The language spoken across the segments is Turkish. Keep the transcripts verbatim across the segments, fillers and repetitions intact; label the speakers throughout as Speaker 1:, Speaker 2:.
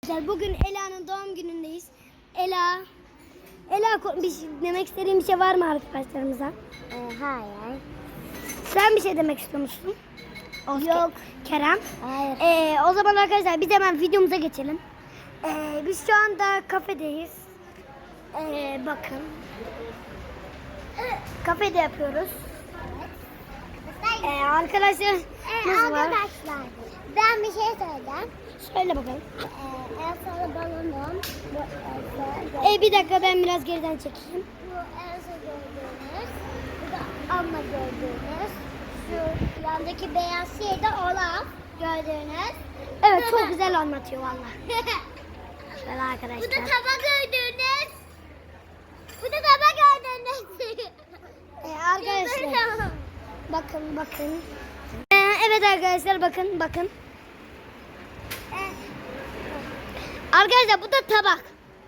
Speaker 1: Bugün Ela'nın doğum günündeyiz. Ela, Ela bir şey, demek istediğin bir şey var mı arkadaşlarımıza?
Speaker 2: Ee, hayır.
Speaker 1: Sen bir şey demek istiyor musun?
Speaker 2: Yok.
Speaker 1: Kerem.
Speaker 2: Hayır.
Speaker 1: Ee, o zaman arkadaşlar biz hemen videomuza geçelim. Ee, biz şu anda kafedeyiz. Ee, bakın. Kafede yapıyoruz. Ee, arkadaşlar
Speaker 2: Ee,
Speaker 1: nasıl var?
Speaker 2: arkadaşlar ben bir şey söyleyeceğim.
Speaker 1: Söyle bakalım.
Speaker 2: Ee, en son balonum. Bu Elsa.
Speaker 1: Ee, bir dakika ben biraz geriden çekeyim.
Speaker 2: Bu Elsa gördüğünüz. Bu da Anna gördüğünüz. Şu yandaki beyaz şey de Olaf gördüğünüz.
Speaker 1: Evet çok güzel anlatıyor valla. Şöyle arkadaşlar.
Speaker 2: Bu da tabak gördüğünüz. Bu da tabak gördüğünüz.
Speaker 1: Ee, arkadaşlar bakın bakın. Ee, evet arkadaşlar bakın bakın. Arkadaşlar bu da tabak.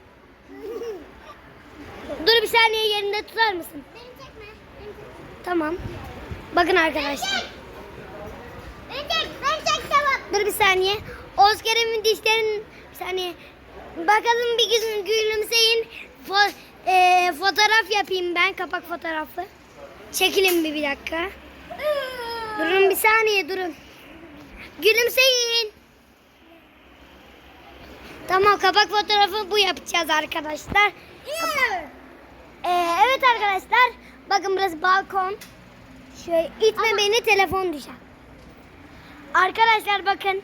Speaker 1: Dur bir saniye yerinde tutar mısın?
Speaker 2: Beni çekme. Beni çekme.
Speaker 1: Tamam. Bakın arkadaşlar.
Speaker 2: Beni çek. Beni çek tamam.
Speaker 1: Dur bir saniye. Oscar'ın dişlerin bir saniye. Bakalım bir gün gülümseyin. Fo e, fotoğraf yapayım ben. Kapak fotoğrafı. Çekilin bir, bir dakika. Durun bir saniye durun. Gülümseyin. Tamam kapak fotoğrafı bu yapacağız arkadaşlar. Ee, evet arkadaşlar. Bakın burası balkon. Şöyle itme
Speaker 2: Ama-
Speaker 1: beni telefon düşer. Arkadaşlar bakın.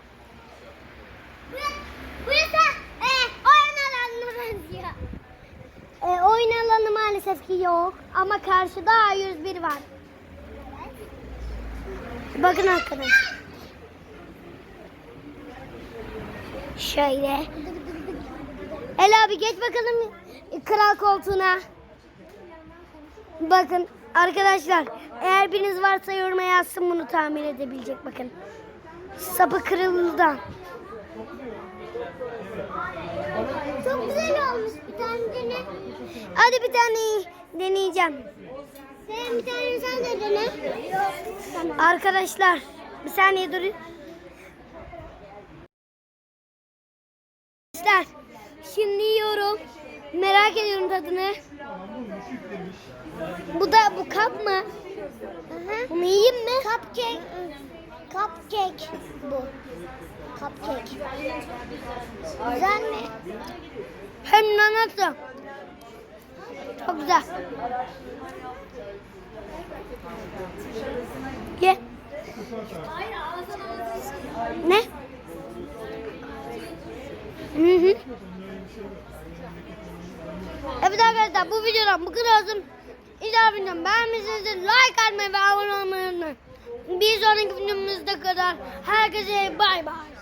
Speaker 2: Burası e, oyun alanına benziyor.
Speaker 1: Ee, oyun alanı maalesef ki yok. Ama karşıda A yüz bir var. Bakın arkadaşlar. Şöyle. Ela abi geç bakalım kral koltuğuna. Bakın arkadaşlar eğer biriniz varsa yoruma yazsın bunu tamir edebilecek bakın. Sapı kırıldı.
Speaker 2: Çok güzel olmuş bir tane dene.
Speaker 1: Hadi bir tane deneyeceğim.
Speaker 2: Sen bir tane sen de dene. Tamam.
Speaker 1: Arkadaşlar bir saniye durun. Arkadaşlar şimdi yiyorum. Merak ediyorum tadını. Bu da bu kap mı?
Speaker 2: Aha.
Speaker 1: Bunu yiyeyim mi?
Speaker 2: Cupcake. Cupcake bu. Cupcake. Güzel mi?
Speaker 1: Hem de nasıl? Çok güzel. Ye. Ne? Hı hı. Evet arkadaşlar bu videodan bu kadar olsun. İzah videomu beğenmişsinizdir. Like atmayı ve abone olmayı unutmayın. Bir sonraki videomuzda kadar herkese bay bay.